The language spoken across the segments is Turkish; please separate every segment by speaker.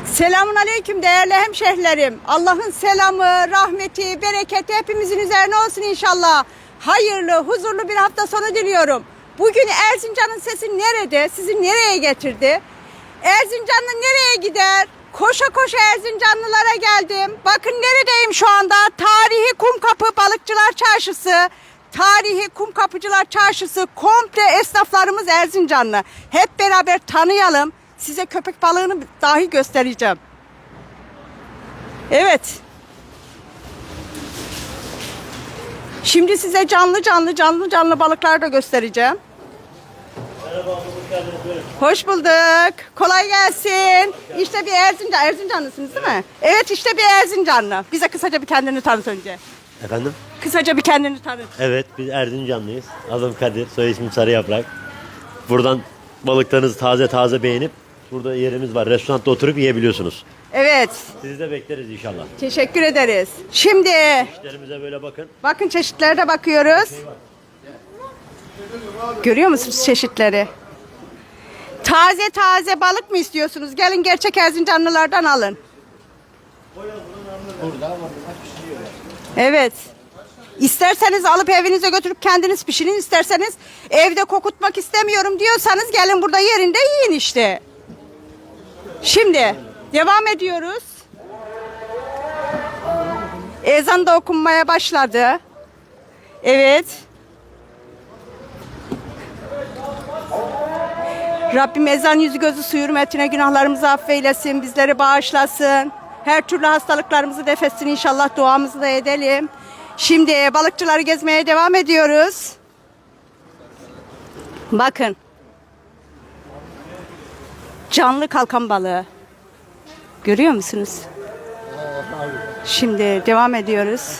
Speaker 1: Selamun aleyküm değerli hemşehrilerim. Allah'ın selamı, rahmeti, bereketi hepimizin üzerine olsun inşallah. Hayırlı, huzurlu bir hafta sonu diliyorum. Bugün Erzincan'ın sesi nerede? Sizi nereye getirdi? Erzincanlı nereye gider? Koşa koşa Erzincanlılara geldim. Bakın neredeyim şu anda? Tarihi Kumkapı Balıkçılar Çarşısı. Tarihi Kumkapıcılar Çarşısı, komple esnaflarımız Erzincanlı. Hep beraber tanıyalım. Size köpek balığını dahi göstereceğim. Evet. Şimdi size canlı balıklar da göstereceğim.
Speaker 2: Merhaba, hoş geldiniz.
Speaker 1: Hoş bulduk. Kolay gelsin. İşte bir Erzincanlısınız değil mi? Evet, işte bir Erzincanlı. Bize kısaca bir kendini tanıt önce.
Speaker 2: Efendim?
Speaker 1: Kısaca bir kendini tanıt.
Speaker 2: Evet, biz Erzincanlıyız. Adım Kadir, soy ismim Sarıyaprak. Buradan balıklarınızı taze taze beğenip burada yerimiz var. Restoranda oturup yiyebiliyorsunuz.
Speaker 1: Evet.
Speaker 2: Sizi de bekleriz inşallah.
Speaker 1: Teşekkür ederiz. Şimdi
Speaker 2: İşlerimize böyle bakın.
Speaker 1: bakın çeşitlere de bakıyoruz. Görüyor musunuz çeşitleri? Taze taze balık mı istiyorsunuz? Gelin gerçek Erzincanlılardan alın. Evet. İsterseniz alıp evinize götürüp kendiniz pişirin. İsterseniz evde kokutmak istemiyorum diyorsanız gelin burada yerinde yiyin işte. Şimdi devam ediyoruz. Ezan da okunmaya başladı. Evet. Rabbim ezan yüzü gözü su hürmetine günahlarımızı affeylesin, bizleri bağışlasın. Her türlü hastalıklarımızı def etsin inşallah, duamızı da edelim. Şimdi balıkçıları gezmeye devam ediyoruz. Bakın. Canlı kalkan balığı. Görüyor musunuz? Şimdi devam ediyoruz.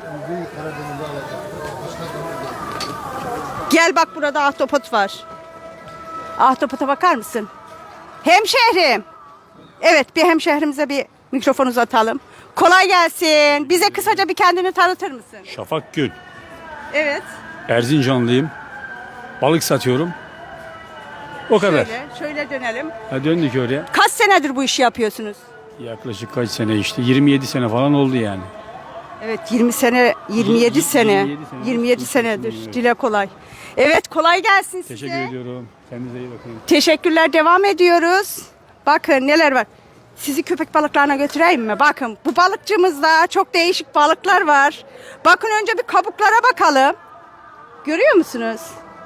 Speaker 1: Gel bak, burada ahtapot var. Ahtapota bakar mısın? Hemşehrim. Evet, bir hemşehrimize bir mikrofon uzatalım. Kolay gelsin. Bize kısaca bir kendini tanıtır mısın?
Speaker 3: Şafak Gül.
Speaker 1: Evet.
Speaker 3: Erzincanlıyım. Balık satıyorum. O kadar.
Speaker 1: Şöyle dönelim.
Speaker 3: Ha, döndük oraya.
Speaker 1: Kaç senedir bu işi yapıyorsunuz?
Speaker 3: Yaklaşık kaç sene işte? 27 sene falan oldu yani.
Speaker 1: Evet, 20 sene, 27 sene. 27 senedir.
Speaker 3: Evet.
Speaker 1: Dile kolay. Evet, kolay gelsin size.
Speaker 3: Teşekkür ediyorum. Kendinize iyi bakın.
Speaker 1: Teşekkürler, devam ediyoruz. Bakın neler var. Sizi köpek balıklarına götüreyim mi? Bakın bu balıkçımızda çok değişik balıklar var. Bakın önce bir kabuklara bakalım. Görüyor musunuz?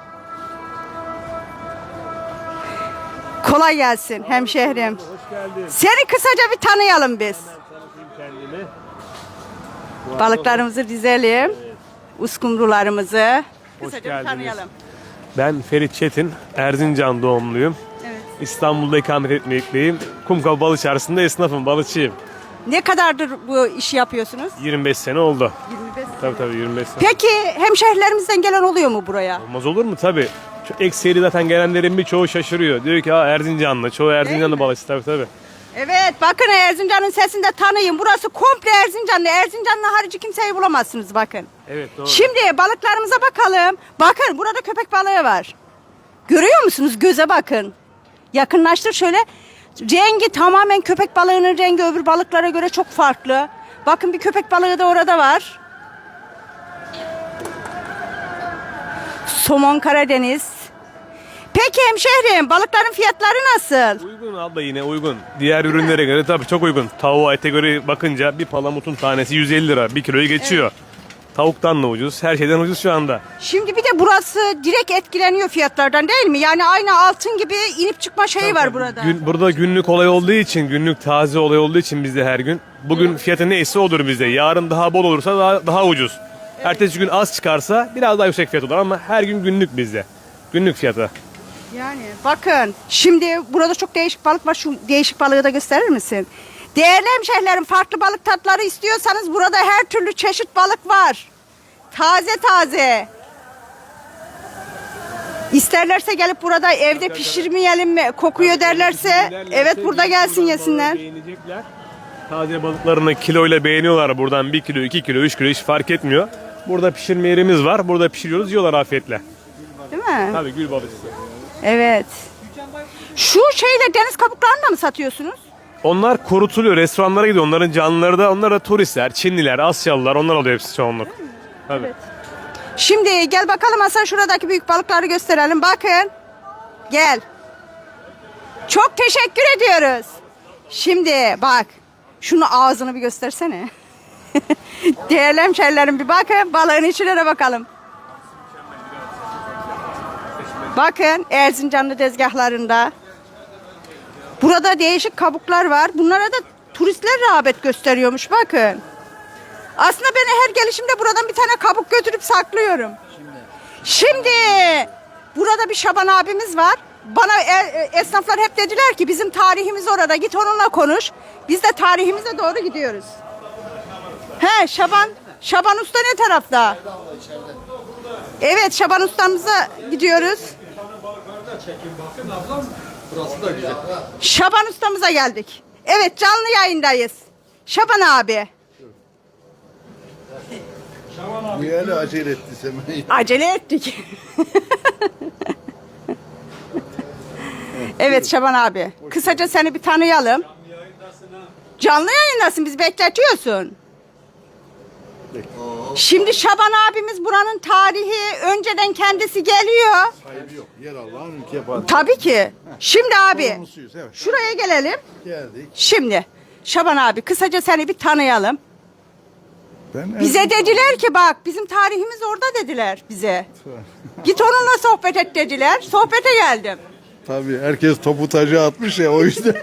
Speaker 1: Kolay gelsin hemşehrim.
Speaker 3: Hoş geldin.
Speaker 1: Seni kısaca bir tanıyalım biz.
Speaker 3: Kendimi.
Speaker 1: Balıklarımızı dizelim. Uskumrularımızı.
Speaker 4: Hoş
Speaker 1: Kısaca bir
Speaker 4: geldiniz.
Speaker 1: tanıyalım.
Speaker 4: Ben Ferit Çetin, Erzincan doğumluyum.
Speaker 1: Evet.
Speaker 4: İstanbul'da ikamet etmekteyim. Kumkapı Balık Çarşısı'nda esnafım, balıkçıyım.
Speaker 1: Ne kadardır bu işi yapıyorsunuz?
Speaker 4: 25 sene oldu.
Speaker 1: 25 sene.
Speaker 4: Tabii 25 sene.
Speaker 1: Peki hemşehrilerimizden gelen oluyor mu buraya?
Speaker 4: Olmaz olur mu? Tabii. Ekseri zaten gelenlerin birçoğu şaşırıyor. Diyor ki ha Erzincanlı, çoğu Erzincanlı balıkçı tabii.
Speaker 1: Evet, bakın Erzincan'ın sesini de tanıyın. Burası komple Erzincanlı. Erzincanlı harici kimseyi bulamazsınız bakın.
Speaker 4: Evet doğru.
Speaker 1: Şimdi balıklarımıza bakalım. Bakın burada köpek balığı var. Görüyor musunuz? Göze bakın. Yakınlaştır şöyle. Rengi tamamen köpek balığının rengi öbür balıklara göre çok farklı. Bakın bir köpek balığı da orada var. Somon Karadeniz. Peki hemşehrim, balıkların fiyatları nasıl?
Speaker 4: Uygun abla, yine uygun. Diğer ürünlere göre tabii çok uygun. Tavuğa, ete göre bakınca bir palamutun tanesi 150 lira. 1 kiloyu geçiyor. Tavuktan da ucuz. Her şeyden ucuz şu anda.
Speaker 1: Şimdi bir de burası direkt etkileniyor fiyatlardan değil mi? Yani aynı altın gibi inip çıkma şeyi var burada.
Speaker 4: Burada günlük olay olduğu için, günlük taze olay olduğu için bizde her gün. Bugün fiyatı neyse odur bizde. Yarın daha bol olursa daha ucuz. Ertesi gün az çıkarsa biraz daha yüksek fiyat olur ama her gün günlük bizde. Günlük fiyatı.
Speaker 1: Yani bakın şimdi burada çok değişik balık var. Şu değişik balığı da gösterir misin? Değerli hemşehrilerim, farklı balık tatları istiyorsanız burada her türlü çeşit balık var. Taze taze. İsterlerse gelip burada evde pişirmeyelim mi? Kokuyor derlerse evet burada gelsin yesinler.
Speaker 4: Beğenecekler. Taze balıklarını kiloyla beğeniyorlar buradan. 1 kilo, 2 kilo, 3 kilo hiç fark etmiyor. Burada pişirme yerimiz var. Burada pişiriyoruz, yiyorlar afiyetle.
Speaker 1: Değil mi?
Speaker 4: Tabii gül balıkçısı.
Speaker 1: Evet. Şu şeyle deniz kabuklarını da mı satıyorsunuz?
Speaker 4: Onlar kurutuluyor. Restoranlara gidiyor. Onların canlıları da, onlar da turistler, Çinliler, Asyalılar, onlar alıyor hepsi çoğunluk. Tabii.
Speaker 1: Şimdi gel bakalım Hasan, şuradaki büyük balıkları gösterelim. Bakın. Gel. Çok teşekkür ediyoruz. Şimdi bak. Şunu ağzını bir göstersene. Değerli hemşerilerim, bir bakın. Balığın içine de bakalım. Bakın Erzincanlı tezgahlarında. Burada değişik kabuklar var. Bunlara da turistler rağbet gösteriyormuş. Bakın. Aslında ben her gelişimde buradan bir tane kabuk götürüp saklıyorum. Şimdi burada bir Şaban abimiz var. Bana esnaflar hep dediler ki bizim tarihimiz orada. Git onunla konuş. Biz de tarihimize doğru gidiyoruz. He, Şaban Usta ne tarafta? Evet, Şaban Usta'mıza gidiyoruz. Şaban Usta'mıza geldik. Evet, canlı yayındayız. Şaban abi.
Speaker 5: Bu yani acele etti Sema'yı.
Speaker 1: Acele ettik. Evet Şaban abi. Kısaca seni bir tanıyalım. Canlı yayındasın, bizi bekletiyorsun. Şimdi Şaban abimiz buranın tarihi, önceden kendisi geliyor.
Speaker 5: Sahibi yok. Yer Allah'ın ülke padişahı.
Speaker 1: Tabii ki. Şimdi abi
Speaker 5: Sorumlusuyuz, evet.
Speaker 1: şuraya gelelim.
Speaker 5: Geldik.
Speaker 1: Şimdi Şaban abi kısaca seni bir tanıyalım.
Speaker 5: Ben
Speaker 1: Bize dediler ki bak bizim tarihimiz orada dediler bize. Git onunla sohbet et dediler. Sohbete geldim.
Speaker 5: Tabii herkes topu tacı atmış ya, o yüzden.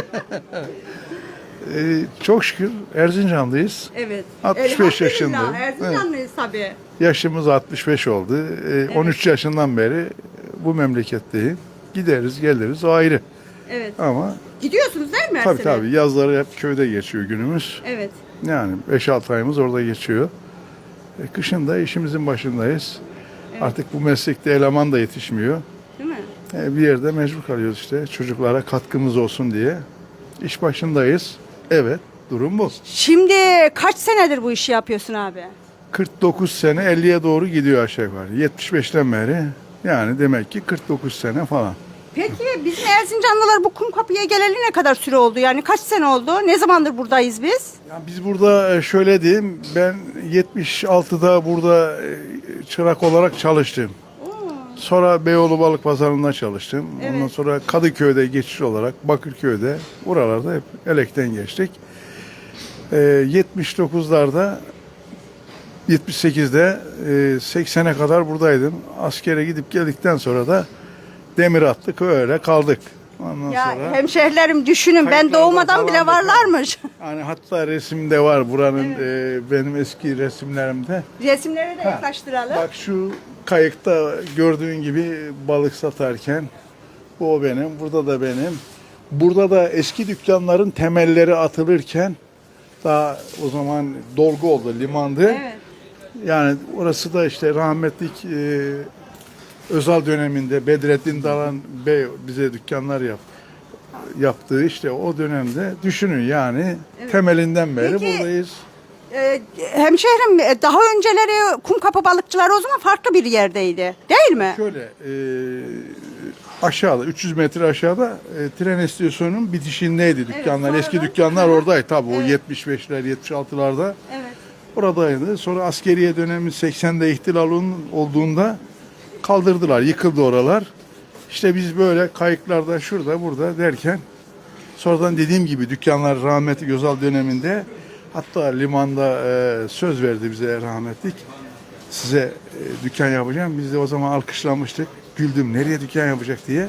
Speaker 5: Çok şükür Erzincan'dayız.
Speaker 1: Evet.
Speaker 5: 65 yaşındayım.
Speaker 1: Erzincanlıyız tabii.
Speaker 5: Yaşımız 65 oldu. 13 yaşından beri bu memleketteyim. Gideriz geliriz, o ayrı.
Speaker 1: Evet.
Speaker 5: Ama
Speaker 1: Gidiyorsunuz değil mi Mersin'e?
Speaker 5: tabii yazları hep köyde geçiyor günümüz.
Speaker 1: Evet.
Speaker 5: Yani 5-6 ayımız orada geçiyor. Kışın da işimizin başındayız. Artık bu meslekte eleman da yetişmiyor.
Speaker 1: Değil mi?
Speaker 5: Bir yerde mecbur kalıyoruz işte, çocuklara katkımız olsun diye. İş başındayız. Evet, durum bu.
Speaker 1: Şimdi kaç senedir bu işi yapıyorsun abi?
Speaker 5: 49 sene 50'ye doğru gidiyor aşağı yukarı. 75'ten beri yani demek ki 49 sene falan.
Speaker 1: Peki bizim Erzincanlılar bu Kumkapı'ya geleli ne kadar süre oldu? Yani kaç sene oldu? Ne zamandır buradayız biz?
Speaker 5: Yani biz burada şöyle diyeyim, ben 76'da burada çırak olarak çalıştım. Sonra Beyoğlu Balık Pazarı'nda çalıştım.
Speaker 1: Evet.
Speaker 5: Ondan sonra Kadıköy'de geçiş olarak Bakırköy'de, buralarda hep elekten geçtik. 79'larda 78'de 80'e kadar buradaydım. Askere gidip geldikten sonra da demir attık, öyle kaldık. Ondan
Speaker 1: Ya
Speaker 5: sonra
Speaker 1: hemşehrilerim düşünün, ben
Speaker 5: kayıtlarda
Speaker 1: doğmadan bile
Speaker 5: falan da
Speaker 1: varlarmış.
Speaker 5: hani hatta resimde var buranın, benim eski resimlerimde.
Speaker 1: Resimleri de yaklaştıralım.
Speaker 5: Bak şu kayıkta gördüğün gibi balık satarken bu o benim, burada da benim. Burada da eski dükkanların temelleri atılırken daha o zaman dolgu oldu, limandı.
Speaker 1: Evet.
Speaker 5: Yani orası da işte rahmetlik Özal döneminde Bedrettin Dalan Bey bize dükkanlar yaptığı işte o dönemde düşünün yani temelinden beri
Speaker 1: Peki,
Speaker 5: buradayız.
Speaker 1: Hemşehrim daha önceleri Kumkapı balıkçıları o zaman farklı bir yerdeydi. Değil mi?
Speaker 5: Şöyle aşağıda 300 metre aşağıda tren istasyonunun bitişindeydi dükkanlar.
Speaker 1: sonra
Speaker 5: Eski
Speaker 1: da-
Speaker 5: dükkanlar oradaydı tabii, o
Speaker 1: Evet.
Speaker 5: 75'ler 76'larda
Speaker 1: Evet.
Speaker 5: oradaydı. Sonra askeriye dönemi 80'de ihtilalın olduğunda kaldırdılar, yıkıldı oralar. İşte biz böyle kayıklarda şurada burada derken sonradan dediğim gibi dükkanlar rahmetli Özal döneminde, hatta limanda söz verdi bize rahmetlik. Size dükkan yapacağım. Biz de o zaman alkışlamıştık. Güldüm, nereye dükkan yapacak diye.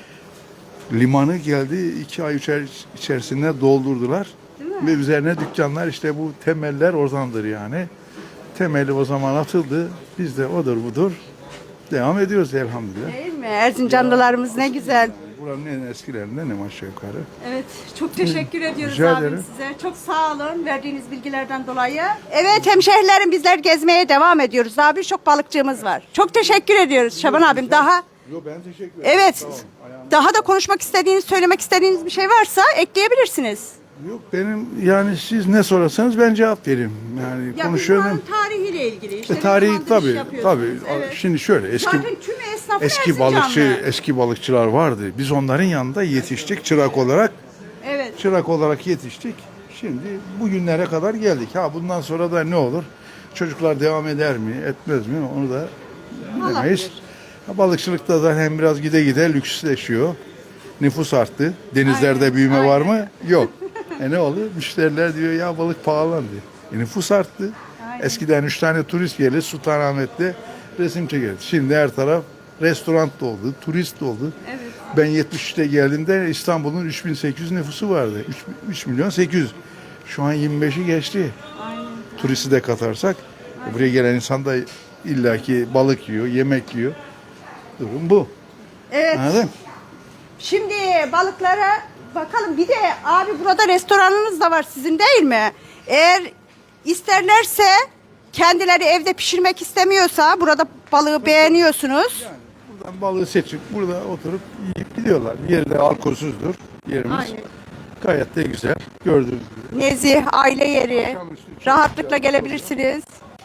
Speaker 5: Limanı geldi 2 ay 3 ay içerisinde doldurdular. Ve üzerine dükkanlar, işte bu temeller oradandır yani. Temeli o zaman atıldı. Biz de odur budur devam ediyoruz elhamdülillah.
Speaker 1: Değil mi? Erzincanlılarımız ne güzel.
Speaker 5: Buranın en eskilerinden en aşağı yukarı.
Speaker 1: Evet, çok teşekkür ediyoruz
Speaker 5: Rica
Speaker 1: abim
Speaker 5: ederim.
Speaker 1: size. Çok sağ olun verdiğiniz bilgilerden dolayı. Evet hemşehrilerim, bizler gezmeye devam ediyoruz. Daha birçok balıkçığımız var. Çok teşekkür ediyoruz Şaban abim. Daha
Speaker 5: Yo, ben teşekkür ederim.
Speaker 1: evet,
Speaker 5: Sağ olun. Ayağınıza-
Speaker 1: daha da konuşmak istediğiniz, söylemek istediğiniz bir şey varsa ekleyebilirsiniz.
Speaker 5: Yok, benim yani siz ne sorarsanız ben cevap vereyim. Yani konuşuyorum.
Speaker 1: buranın tarihiyle ilgili. İşte ne
Speaker 5: Tarihi
Speaker 1: zamandır iş
Speaker 5: tabii
Speaker 1: yapıyorsunuz?
Speaker 5: tabii.
Speaker 1: Evet.
Speaker 5: Şimdi şöyle
Speaker 1: Zaten tüm esnafı
Speaker 5: eski
Speaker 1: Erzincanlı.
Speaker 5: balıkçılar vardı. Biz onların yanında yetiştik çırak olarak.
Speaker 1: Evet.
Speaker 5: çırak olarak yetiştik. Şimdi bugünlere kadar geldik. Ha bundan sonra da ne olur? Çocuklar devam eder mi, etmez mi? Onu da bilemeyiz. Ha, balıkçılıkta da hem biraz gide gide lüksleşiyor. Nüfus arttı. Denizlerde büyüme var mı? Yok. Ne oluyor? Müşteriler diyor ya balık pahalandı. Nüfus arttı. Eskiden 3 tane turist gelir Sultanahmet'te resim çeker. Şimdi her taraf restoran doldu, turist doldu.
Speaker 1: Evet.
Speaker 5: Ben 73'te geldiğimde İstanbul'un 3800 nüfusu vardı. 3 milyon 800. Şu an 25'i geçti.
Speaker 1: Aynen.
Speaker 5: Turisti de katarsak buraya gelen insan da illaki balık yiyor, yemek yiyor. Durum bu.
Speaker 1: Evet.
Speaker 5: Anladın?
Speaker 1: Şimdi balıklara bakalım. Bir de abi burada restoranınız da var sizin değil mi? Eğer isterlerse kendileri evde pişirmek istemiyorsa burada balığı beğeniyorsunuz.
Speaker 5: Buradan balığı seçip burada oturup yiyip gidiyorlar. Yeri de alkolsüzdür yerimiz.
Speaker 1: Aynen.
Speaker 5: Gayet de güzel. Gördüğünüz gibi.
Speaker 1: Nezih, aile yeri. Rahatlıkla gelebilirsiniz.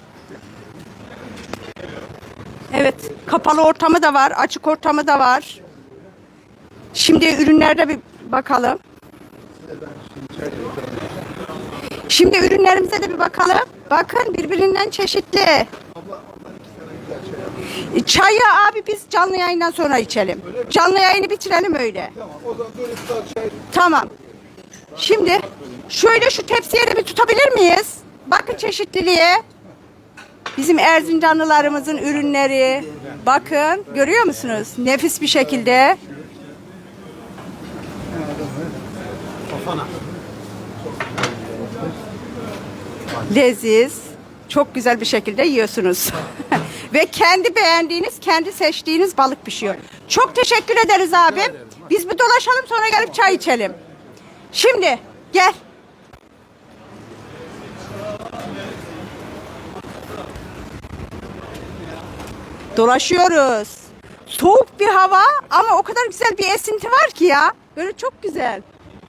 Speaker 1: Evet, kapalı ortamı da var, açık ortamı da var. Şimdi ürünlerde bir bakalım. Şimdi ürünlerimize de bir bakalım. Bakın birbirinden çeşitli. Çayı abi biz canlı yayından sonra içelim. Canlı yayını bitirelim öyle. Tamam. Şimdi şöyle şu tepsiye de bir tutabilir miyiz? Bakın çeşitliliğe. Bizim Erzincanlılarımızın ürünleri. Bakın görüyor musunuz? Nefis bir şekilde. Leziz. Çok güzel bir şekilde yiyorsunuz. Ve kendi beğendiğiniz, kendi seçtiğiniz balık pişiyor. Çok teşekkür ederiz abim. Biz bir dolaşalım sonra gelip çay içelim. Şimdi gel. Dolaşıyoruz. Soğuk bir hava ama o kadar güzel bir esinti var ki ya. Böyle çok güzel.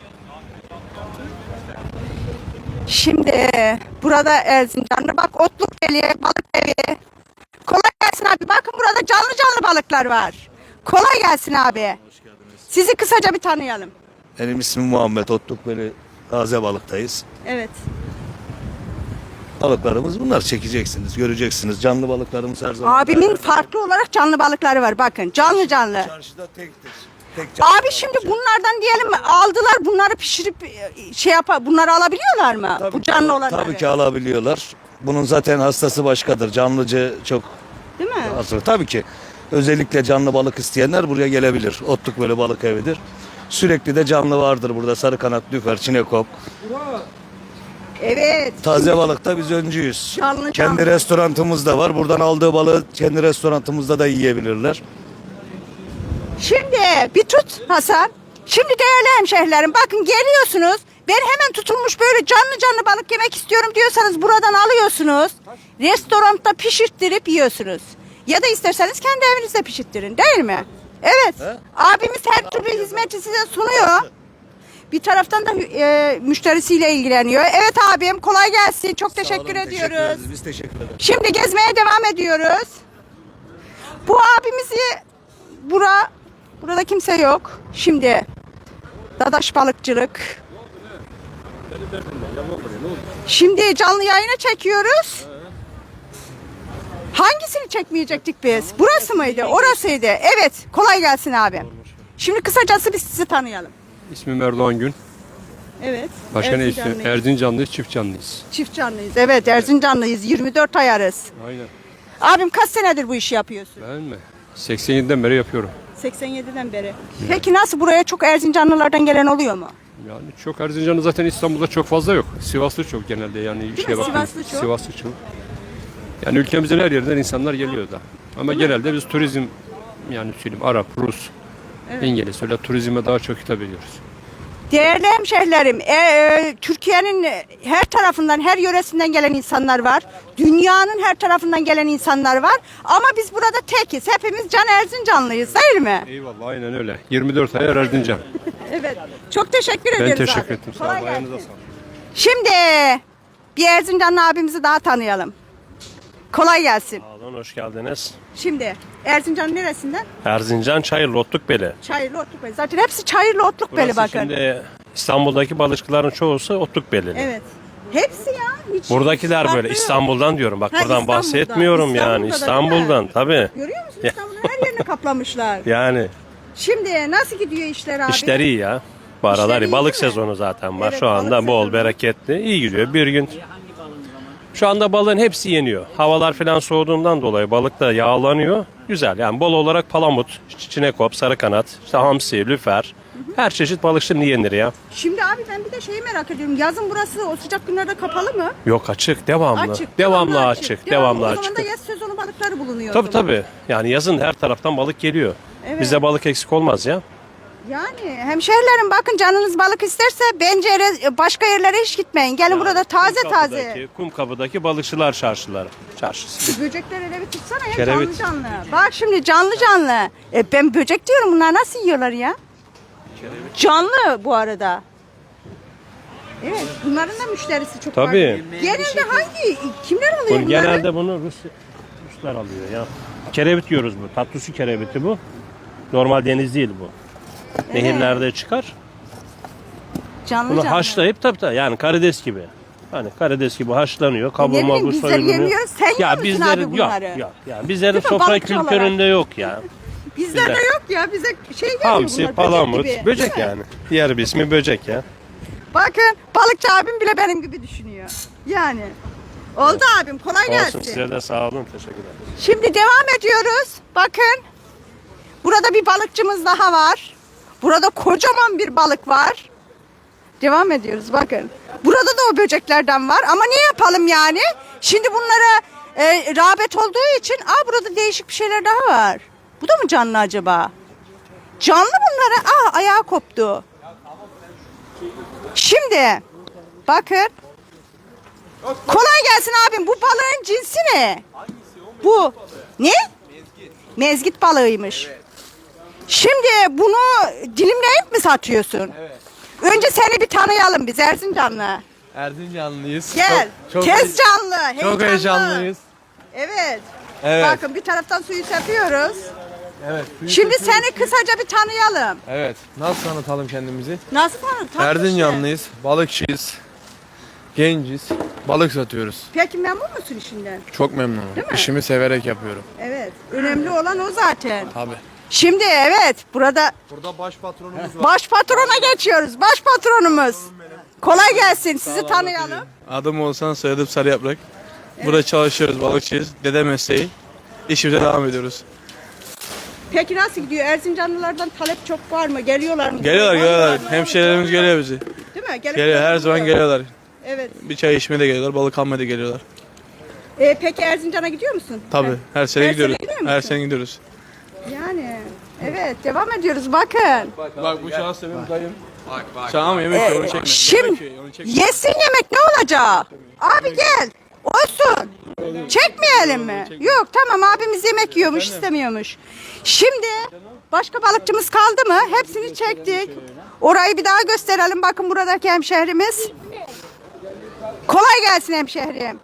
Speaker 1: Şimdi burada Erzincan'da bak Otlukbeli, balık evi. Kolay gelsin abi. Bakın burada canlı canlı balıklar var. Kolay gelsin abi. Sizi kısaca bir tanıyalım.
Speaker 6: Benim ismim Muhammed Otlukbeli, taze balıktayız.
Speaker 1: Evet.
Speaker 6: Balıklarımız bunlar, çekeceksiniz, göreceksiniz. Canlı balıklarımız her zaman.
Speaker 1: Abimin farklı olarak canlı balıkları var. Bakın canlı canlı.
Speaker 6: Çarşıda tektir. Tek canlı
Speaker 1: Abi şimdi bunlardan diyelim aldılar bunları pişirip bunları alabiliyorlar mı?
Speaker 6: Tabii
Speaker 1: Bu
Speaker 6: ki-
Speaker 1: canlı olanları.
Speaker 6: Tabii ki alabiliyorlar. Bunun zaten hastası başkadır. Canlıcı çok
Speaker 1: Değil mi?
Speaker 6: hazır. Tabii ki özellikle canlı balık isteyenler buraya gelebilir. Otlukbeli balık evidir. Sürekli de canlı vardır burada. Sarı kanat, lüfer, çinekop.
Speaker 1: Evet.
Speaker 6: Taze balıkta biz öncüyüz.
Speaker 1: Canlı
Speaker 6: Kendi
Speaker 1: canlı.
Speaker 6: restoranımız da var. Buradan aldığı balığı kendi restoranımızda da yiyebilirler.
Speaker 1: Şimdi bir tut Hasan. Şimdi değerli hemşehrilerim bakın geliyorsunuz. Ben hemen tutulmuş böyle canlı canlı balık yemek istiyorum diyorsanız buradan alıyorsunuz. Restoranda pişirttirip yiyorsunuz. Ya da isterseniz kendi evinizde pişirttirin değil mi? Evet. Abimiz her türlü hizmeti size sunuyor. Bir taraftan da müşterisiyle ilgileniyor. Evet abim kolay gelsin. Çok teşekkür ediyoruz.
Speaker 6: Biz teşekkür ederiz.
Speaker 1: Şimdi gezmeye devam ediyoruz. Bu abimizi burada kimse yok. Şimdi Dadaş balıkçılık. Şimdi canlı yayına çekiyoruz. Hangisini çekmeyecektik biz? Burası mıydı? Orasıydı. Evet. Kolay gelsin abi. Şimdi kısacası biz sizi tanıyalım.
Speaker 7: İsmim Erdoğan Gün.
Speaker 1: Evet.
Speaker 7: Başka ne
Speaker 1: Erzincanlıyız.
Speaker 7: istiyorsun? Erzincanlıyız, çift canlıyız.
Speaker 1: Çift canlıyız. Evet Erzincanlıyız. 24 ayarız.
Speaker 7: Aynen.
Speaker 1: Abim kaç senedir bu işi yapıyorsun?
Speaker 7: Ben mi? 87'den beri yapıyorum.
Speaker 1: 87'den beri. Peki nasıl buraya çok Erzincanlılardan gelen oluyor mu?
Speaker 7: Yani çok Erzincanlı zaten İstanbul'da çok fazla yok. Sivaslı çok genelde yani
Speaker 1: mi?
Speaker 7: şeye bakın.
Speaker 1: Sivaslı çok.
Speaker 7: Sivaslı çok. Yani ülkemizin her yerinden insanlar geliyor da. Ama genelde biz turizm yani söyleyeyim Arap, Rus, İngiliz öyle turizme daha çok hitap ediyoruz.
Speaker 1: Değerli hemşehrilerim, Türkiye'nin her tarafından, her yöresinden gelen insanlar var. Dünyanın her tarafından gelen insanlar var. Ama biz burada tekiz. Hepimiz can Erzincanlıyız değil mi?
Speaker 7: Eyvallah aynen öyle. 24 ayar Erzincan.
Speaker 1: Evet. Çok teşekkür
Speaker 7: Ben
Speaker 1: ederiz
Speaker 7: teşekkür
Speaker 1: abi.
Speaker 7: ettim. Sağ
Speaker 1: Kolay
Speaker 7: olun. Ayağınıza
Speaker 1: gelsin.
Speaker 7: sağlık.
Speaker 1: Şimdi bir Erzincanlı abimizi daha tanıyalım. Kolay gelsin.
Speaker 8: Sağ olun, hoş geldiniz.
Speaker 1: Şimdi Erzincan neresinden?
Speaker 8: Erzincan Çayırlı Otlukbeli.
Speaker 1: Çayırlı Otlukbeli. Zaten hepsi Çayırlı Otlukbeli
Speaker 8: Burası
Speaker 1: bakın.
Speaker 8: şimdi
Speaker 7: İstanbul'daki balıkçıların çoğusu Otlukbelili.
Speaker 1: Evet. Hepsi ya. Hiç
Speaker 7: Buradakiler
Speaker 1: farklı
Speaker 7: böyle
Speaker 1: yok.
Speaker 7: İstanbul'dan diyorum. Bak
Speaker 1: Ha,
Speaker 7: buradan
Speaker 1: İstanbul'dan.
Speaker 7: bahsetmiyorum yani.
Speaker 1: İstanbul'da da değil mi?
Speaker 7: İstanbul'dan tabii.
Speaker 1: Görüyor musun İstanbul'un her yerini kaplamışlar.
Speaker 7: Yani
Speaker 1: Şimdi nasıl gidiyor işler abi?
Speaker 7: işler iyi ya. Bu aralar
Speaker 1: İşler iyi
Speaker 7: iyi. Balık
Speaker 1: değil mi?
Speaker 7: sezonu zaten var.
Speaker 1: Evet,
Speaker 7: Şu anda
Speaker 1: balık
Speaker 7: bol,
Speaker 1: sezonu.
Speaker 7: bereketli. İyi gidiyor. Bir gün. Şu anda balığın hepsi yeniyor. Havalar falan soğuduğundan dolayı balık da yağlanıyor. Güzel yani bol olarak palamut, çinekop, sarıkanat, işte hamsi, lüfer. Her çeşit balık şimdi yenir ya.
Speaker 1: Şimdi abi ben bir de şeyi merak ediyorum. Yazın burası o sıcak günlerde kapalı mı?
Speaker 7: Yok açık, devamlı.
Speaker 1: Açık.
Speaker 7: Devamlı açık, devamlı
Speaker 1: O
Speaker 7: açık.
Speaker 1: zaman da yaz sezonu balıkları bulunuyor.
Speaker 7: Tabii
Speaker 1: o zaman.
Speaker 7: tabii. Yani yazın her taraftan balık geliyor.
Speaker 1: Evet.
Speaker 7: Bizde balık eksik olmaz ya.
Speaker 1: Yani hemşehrilerim bakın canınız balık isterse bence başka yerlere hiç gitmeyin. Gelin burada taze taze.
Speaker 7: Kumkapı'daki balıkçılar çarşısı.
Speaker 1: Böcekler hele bir tutsana ya
Speaker 7: Kerevit.
Speaker 1: canlı canlı. Bak şimdi canlı canlı. Ben böcek diyorum bunlar nasıl yiyorlar ya? Canlı bu arada. Evet bunların da müşterisi çok var.
Speaker 7: Tabii.
Speaker 1: Genelde kimler alıyor bunları?
Speaker 7: Genelde bunu Ruslar alıyor ya. Kerevit diyoruz bu. Tatlı su kereviti bu. Normal deniz değil bu. Nehirlerde çıkar.
Speaker 1: Canlı
Speaker 7: Bunu
Speaker 1: canlı.
Speaker 7: haşlayıp tabii yani karides gibi. Hani karides gibi haşlanıyor.
Speaker 1: Ne
Speaker 7: Kavurma
Speaker 1: bileyim,
Speaker 7: bu
Speaker 1: bizler
Speaker 7: soyuluyor.
Speaker 1: yemiyoruz. Sen yiyor musun
Speaker 7: bizlerin
Speaker 1: abi
Speaker 7: yok
Speaker 1: bunları?
Speaker 7: yok. Ya bizlerin
Speaker 1: Değil mi?
Speaker 7: sofra
Speaker 1: Balıkçı
Speaker 7: kültüründe yok ya.
Speaker 1: Bizlerde
Speaker 7: bizler.
Speaker 1: yok ya bize şey geliyor
Speaker 7: Hamsi,
Speaker 1: bunlar,
Speaker 7: palamut,
Speaker 1: gibi.
Speaker 7: böcek
Speaker 1: Değil mi?
Speaker 7: yani. Diğer bir ismi böcek ya.
Speaker 1: Bakın balıkçı abim bile benim gibi düşünüyor. Yani. Oldu abim kolay
Speaker 7: Olsun
Speaker 1: gelsin.
Speaker 7: size de sağ olun. Teşekkürler.
Speaker 1: Şimdi devam ediyoruz. Bakın. Burada bir balıkçımız daha var. Burada kocaman bir balık var. Devam ediyoruz bakın. Burada da o böceklerden var ama ne yapalım yani? Şimdi bunlara rağbet olduğu için burada değişik bir şeyler daha var. Bu da mı canlı acaba? Canlı bunlara. Ayağı koptu. Şimdi bakın. Kolay gelsin abim. Bu balığın cinsi ne? Bu. Ne? Mezgit balığıymış. Şimdi bunu dilimleyip mi satıyorsun? Evet. Önce seni bir tanıyalım biz Erzincanlı.
Speaker 8: Erzincanlıyız.
Speaker 1: Gel.
Speaker 8: Çok
Speaker 1: Tez canlı.
Speaker 8: çok heyecanlıyız.
Speaker 1: Evet.
Speaker 8: Evet.
Speaker 1: Bakın bir taraftan suyu sepiyoruz.
Speaker 8: Evet.
Speaker 1: Şimdi seni kısaca bir tanıyalım.
Speaker 8: Evet. Nasıl tanıtalım kendimizi?
Speaker 1: Nasıl tanıtalım?
Speaker 8: Erzincanlıyız. Balıkçıyız. Genciz. Balık satıyoruz.
Speaker 1: Peki memnun musun işinden?
Speaker 8: Çok memnunum.
Speaker 1: Değil mi?
Speaker 8: İşimi severek yapıyorum.
Speaker 1: Evet. Önemli olan o zaten.
Speaker 8: Tabii.
Speaker 1: Şimdi evet burada
Speaker 8: Burada baş patronumuz var.
Speaker 1: baş patrona geçiyoruz. Baş patronumuz. Kolay gelsin. Sizi tanıyalım.
Speaker 8: Adım Oğuzhan, soyadım Sarı Yaprak. Burada çalışıyoruz, balıkçıyız. Dede mesleği. İşimize devam ediyoruz.
Speaker 1: Peki nasıl gidiyor? Erzincanlılardan talep çok var mı? Geliyorlar mı?
Speaker 8: Geliyorlar. Hemşehrilerimiz geliyor bizi.
Speaker 1: Değil mi? Gelip
Speaker 8: Geliyor, her zaman geliyorlar.
Speaker 1: Evet.
Speaker 8: Bir çay içmeye de geliyorlar, balık almaya da geliyorlar.
Speaker 1: Peki Erzincan'a gidiyor musun?
Speaker 8: Tabii, her sene gidiyoruz.
Speaker 1: gidiyor
Speaker 8: Her
Speaker 1: musun?
Speaker 8: sene gidiyoruz.
Speaker 1: Yani. Evet. Devam ediyoruz. Bakın.
Speaker 8: Bak bu şahıs benim dayım. Şahım yemek yiyor, onu çekme.
Speaker 1: Şimdi
Speaker 8: Yemek yiyor, onu çekme.
Speaker 1: yesin yemek ne olacak? Abi gel. Olsun. Çekmeyelim mi? Yok tamam abimiz yemek yiyormuş istemiyormuş. Şimdi başka balıkçımız kaldı mı? Hepsini çektik. Orayı bir daha gösterelim. Bakın buradaki hemşehrimiz. Kolay gelsin hemşehrim.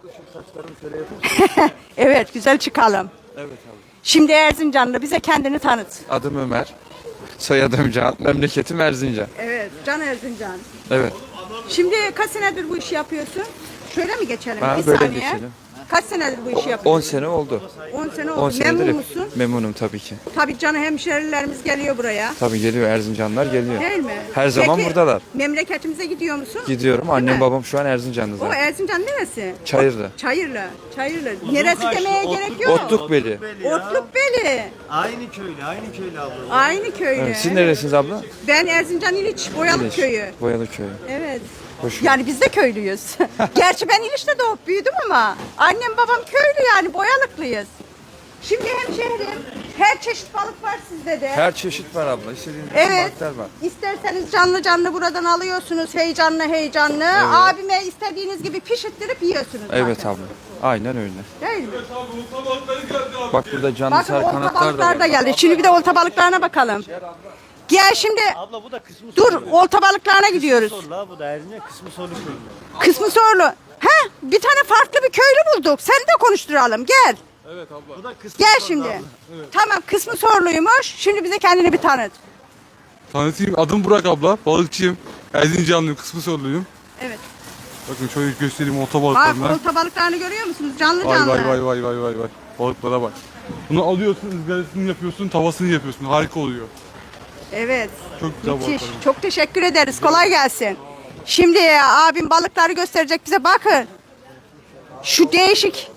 Speaker 1: Evet güzel çıkalım.
Speaker 9: Evet abi.
Speaker 1: Şimdi Erzincanlı bize kendini tanıt.
Speaker 9: Adım Ömer. Soyadım Can. Memleketim Erzincan.
Speaker 1: Evet Can Erzincan.
Speaker 9: Evet.
Speaker 1: Şimdi kaç senedir bu işi yapıyorsun? Şöyle mi geçelim?
Speaker 9: Ha,
Speaker 1: Bir
Speaker 9: böyle
Speaker 1: saniye.
Speaker 9: geçelim.
Speaker 1: Kaç senedir bu işi
Speaker 9: 10
Speaker 1: yapıyorsun?
Speaker 9: sene oldu.
Speaker 1: 10 sene
Speaker 9: 10
Speaker 1: oldu.
Speaker 9: senedir
Speaker 1: Memnun
Speaker 9: hep-
Speaker 1: musun?
Speaker 9: Memnunum tabii ki.
Speaker 1: Tabii canı hemşerilerimiz geliyor buraya.
Speaker 9: Tabii geliyor, Erzincanlar geliyor.
Speaker 1: Değil mi?
Speaker 9: Her zaman
Speaker 1: Peki,
Speaker 9: buradalar.
Speaker 1: memleketimize gidiyor musun?
Speaker 9: Gidiyorum.
Speaker 1: mi?
Speaker 9: Annem babam şu an Erzincan'da
Speaker 1: O
Speaker 9: zaten.
Speaker 1: Erzincan neresi?
Speaker 9: Çayırlı.
Speaker 1: Çayırlı. Çayırlı. Neresi demeye gerek yok.
Speaker 9: Otlukbeli.
Speaker 1: Otlukbeli.
Speaker 10: Aynı köylü abla.
Speaker 1: Aynı köylü.
Speaker 9: Evet. Siz neresiniz abla?
Speaker 1: Ben Erzincan İliç, Boyalık
Speaker 9: İliç.
Speaker 1: köyü.
Speaker 9: Boyalı köyü.
Speaker 1: Evet.
Speaker 9: Hoş
Speaker 1: Yani biz de köylüyüz. Gerçi ben İliç'te doğup büyüdüm ama annem babam köylü yani Boyalıklıyız. Şimdi hemşehrim her çeşit balık var sizde de.
Speaker 9: Her çeşit var abla. İstediğiniz
Speaker 1: Evet.
Speaker 9: balıklar var.
Speaker 1: İsterseniz canlı canlı buradan alıyorsunuz heyecanlı heyecanlı. Abime istediğiniz gibi pişirttirip yiyorsunuz zaten.
Speaker 9: Evet abla. Aynen öyle.
Speaker 1: Değil mi?
Speaker 9: Bak burada canlı
Speaker 1: Bakın
Speaker 9: sarı
Speaker 1: olta
Speaker 9: kanatlar da
Speaker 1: balıklar da
Speaker 9: var.
Speaker 1: geldi. Şimdi bir de olta balıklarına bakalım. Gel şimdi.
Speaker 2: Abla bu da kısmı
Speaker 1: Dur olta balıklarına gidiyoruz.
Speaker 2: La bu da Erzincan kısmı sorulu köyünde.
Speaker 1: Kısmı sorulu. He bir tane farklı bir köylü bulduk. Seni de konuşturalım gel.
Speaker 8: Evet abla.
Speaker 2: Bu da kısmı
Speaker 1: Gel şimdi. Tamam kısmı soruluymuş. Şimdi bize kendini bir tanıt.
Speaker 8: Tanıtayım. Adım Burak abla. Balıkçıyım. Erzincanlıyım, kısmı soruluyum.
Speaker 1: Evet.
Speaker 8: Bakın şöyle göstereyim olta
Speaker 1: Bak
Speaker 8: balıklarına.
Speaker 1: olta balıklarını görüyor musunuz? Canlı
Speaker 8: Vay
Speaker 1: canlı.
Speaker 8: vay vay vay vay vay vay. Balıklara bak. Bunu alıyorsun, ızgarasını yapıyorsun, tavasını yapıyorsun. Harika oluyor.
Speaker 1: Evet.
Speaker 8: Çok güzel
Speaker 1: Müthiş.
Speaker 8: balıklar.
Speaker 1: Çok teşekkür ederiz. Kolay gelsin. Şimdi abim balıkları gösterecek bize. Bakın. Şu değişik.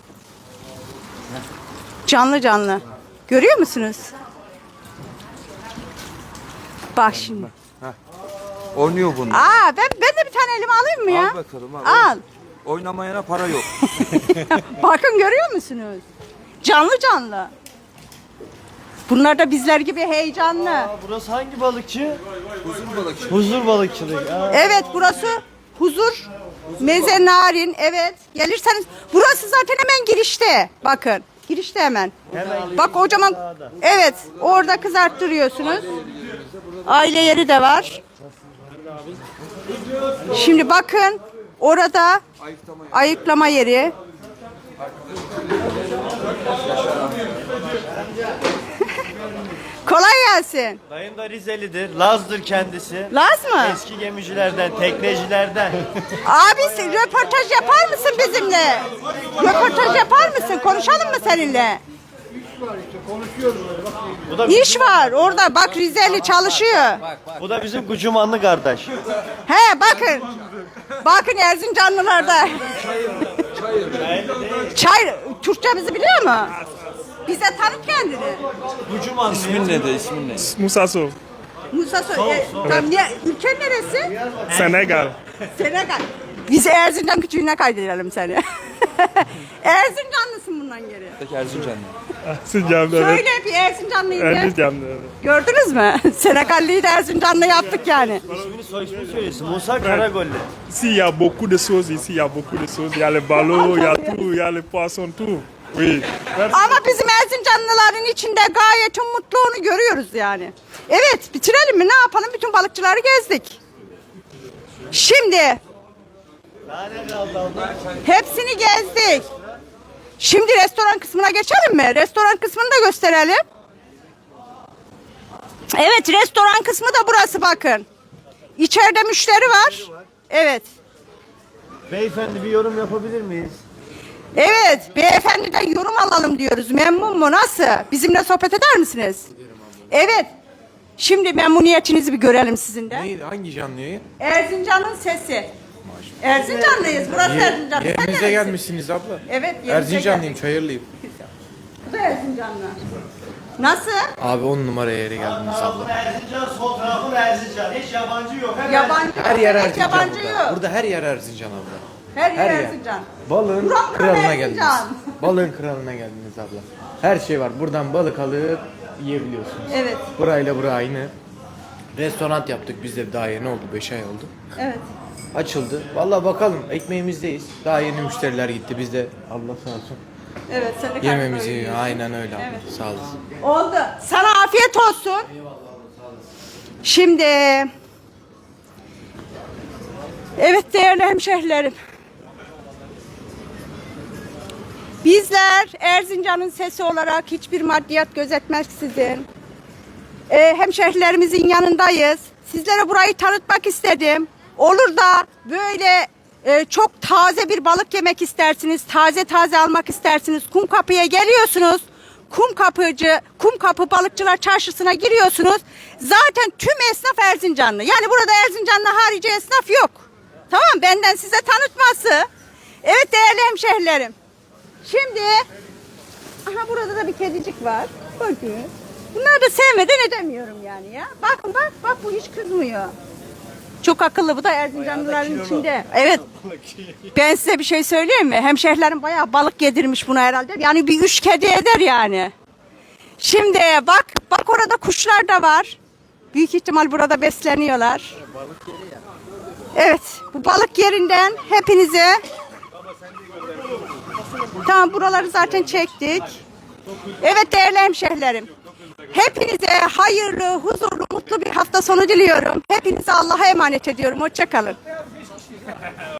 Speaker 1: Canlı canlı. Görüyor musunuz? Bak şimdi.
Speaker 9: Oynuyor bunlar.
Speaker 1: Ben de bir tane elime alayım mı ya?
Speaker 9: Al bakalım al.
Speaker 1: Al.
Speaker 9: Oynamayana para yok.
Speaker 1: Bakın görüyor musunuz? Canlı canlı. Bunlar da bizler gibi heyecanlı.
Speaker 10: Burası hangi balıkçı? Huzur balıkçı. Huzur balıkçılık.
Speaker 1: Evet burası huzur. Meze narin. Evet. Gelirseniz burası zaten hemen girişte. Bakın. Girişte hemen. Bak kocaman. Evet. Orada kızarttırıyorsunuz. Aile yeri de var. Şimdi bakın. Orada ayıklama yeri. Kolay gelsin.
Speaker 10: Dayım da Rizelidir. Laz'dır kendisi.
Speaker 1: Laz mı?
Speaker 10: Eski gemicilerden, teknecilerden.
Speaker 1: Abi sen röportaj yapar mısın bizimle? Röportaj yapar mısın? Konuşalım mı seninle?
Speaker 10: Bu da,
Speaker 1: İş var orada. Bak Rizeli çalışıyor.
Speaker 10: bu da bizim Gucumanlı kardeş.
Speaker 1: He bakın. Bakın Erzincanlılarda. Çay. Türkçemizi biliyor mu? Bize tanıt kendini.
Speaker 10: Gucumanlı.
Speaker 9: İsmin nedir? İsmin ne?
Speaker 8: Musa Sov.
Speaker 1: Musa ülken neresi?
Speaker 8: Senegal.
Speaker 1: Senegal. Biz Erzincan küçüğüne kaydedelim seni. Erzincanlısın bundan geri.
Speaker 9: Peki Erzincanlı.
Speaker 8: Erzincanlı
Speaker 1: Söyle bir Erzincanlıyım de.
Speaker 8: Erzincanlı.
Speaker 1: Gördünüz mü? Senegalliyi de Erzincanlı yaptık yani.
Speaker 10: İsmini soy ismini söylesin. Musa Karagolli.
Speaker 8: Ici, il y a beaucoup de choses ici, il y a beaucoup de choses. Il y a les ballots, il y a tout, il y a les poissons, tout. Oui.
Speaker 1: Ama bizim Erzincanlıların içinde gayet mutlu onu görüyoruz yani. Evet bitirelim mi ne yapalım bütün balıkçıları gezdik. Şimdi hepsini gezdik. Şimdi restoran kısmına geçelim mi? Restoran kısmını da gösterelim. Evet restoran kısmı da burası bakın. İçeride müşteri var. Evet.
Speaker 10: Beyefendi bir yorum yapabilir miyiz?
Speaker 1: Evet, beyefendiden yorum alalım diyoruz. Memnun mu? Nasıl? Bizimle sohbet eder misiniz? Evet. Şimdi memnuniyetinizi bir görelim sizin de.
Speaker 11: Hangi canlı yayın?
Speaker 1: Erzincan'ın sesi. Erzincanlıyız. Burası Erzincan. Sen
Speaker 11: Yerinize
Speaker 1: neresi?
Speaker 11: gelmişsiniz abla.
Speaker 1: Evet, yerimize
Speaker 11: Erzincanlıyım,
Speaker 1: geldik.
Speaker 11: Çayırlıyım.
Speaker 1: Bu da Erzincanlı. Nasıl?
Speaker 11: Abi 10 numara yere geldiniz abla.
Speaker 10: Erzincan, sol tarafı Erzincan. Hiç yabancı yok.
Speaker 1: Yabancı.
Speaker 11: Her yer
Speaker 1: Evet,
Speaker 11: Erzincan
Speaker 1: yabancı
Speaker 11: burada.
Speaker 1: yok.
Speaker 11: Burada her yer Erzincan abla.
Speaker 1: Her yer
Speaker 11: her yer.
Speaker 1: Erzincan.
Speaker 11: Balığın
Speaker 1: Buram
Speaker 11: kralına
Speaker 1: Erzincan.
Speaker 11: geldiniz. Balığın kralına geldiniz abla. Her şey var. Buradan balık alıp yiyebiliyorsunuz.
Speaker 1: Evet,
Speaker 11: Burayla bura aynı. Restoran yaptık biz de daha yeni oldu. 5 ay oldu.
Speaker 1: evet.
Speaker 11: Açıldı. Vallahi bakalım ekmeğimizdeyiz. Daha yeni müşteriler gitti. Biz de Allah sağ olsun.
Speaker 1: Evet, sen de
Speaker 11: Yememizi
Speaker 1: karnını doyuruyorsun.
Speaker 11: aynen öyle abla.
Speaker 1: Evet.
Speaker 11: Sağ olasın.
Speaker 1: Oldu. Sana afiyet olsun. Şimdi evet değerli hemşehrilerim. Bizler Erzincan'ın sesi olarak hiçbir maddiyat gözetmeksizin hemşehrilerimizin yanındayız. Sizlere burayı tanıtmak istedim. Olur da böyle çok taze bir balık yemek istersiniz, taze taze almak istersiniz. Kumkapı'ya geliyorsunuz. Kumkapı Balıkçılar Çarşısı'na giriyorsunuz. Zaten tüm esnaf Erzincanlı. Yani burada Erzincanlı harici esnaf yok. Tamam benden size tanıtması. Evet değerli hemşehrilerim. Şimdi aha burada da bir kedicik var. Bakın. Bunları da sevmeden edemiyorum yani ya. Bakın bak bu hiç kızmıyor. Çok akıllı bu da Erzincanlıların içinde. Evet. Ben size bir şey söyleyeyim mi? Hemşehrilerim bayağı balık yedirmiş buna herhalde. Yani bir 3 kedi eder yani. Şimdi bak orada kuşlar da var. Büyük ihtimal burada besleniyorlar. Evet bu balık yerinden hepinize. Tamam buraları zaten çektik. Evet değerli hemşehrilerim. Hepinize hayırlı, huzurlu, mutlu bir hafta sonu diliyorum. Hepinize Allah'a emanet ediyorum. Hoşça kalın.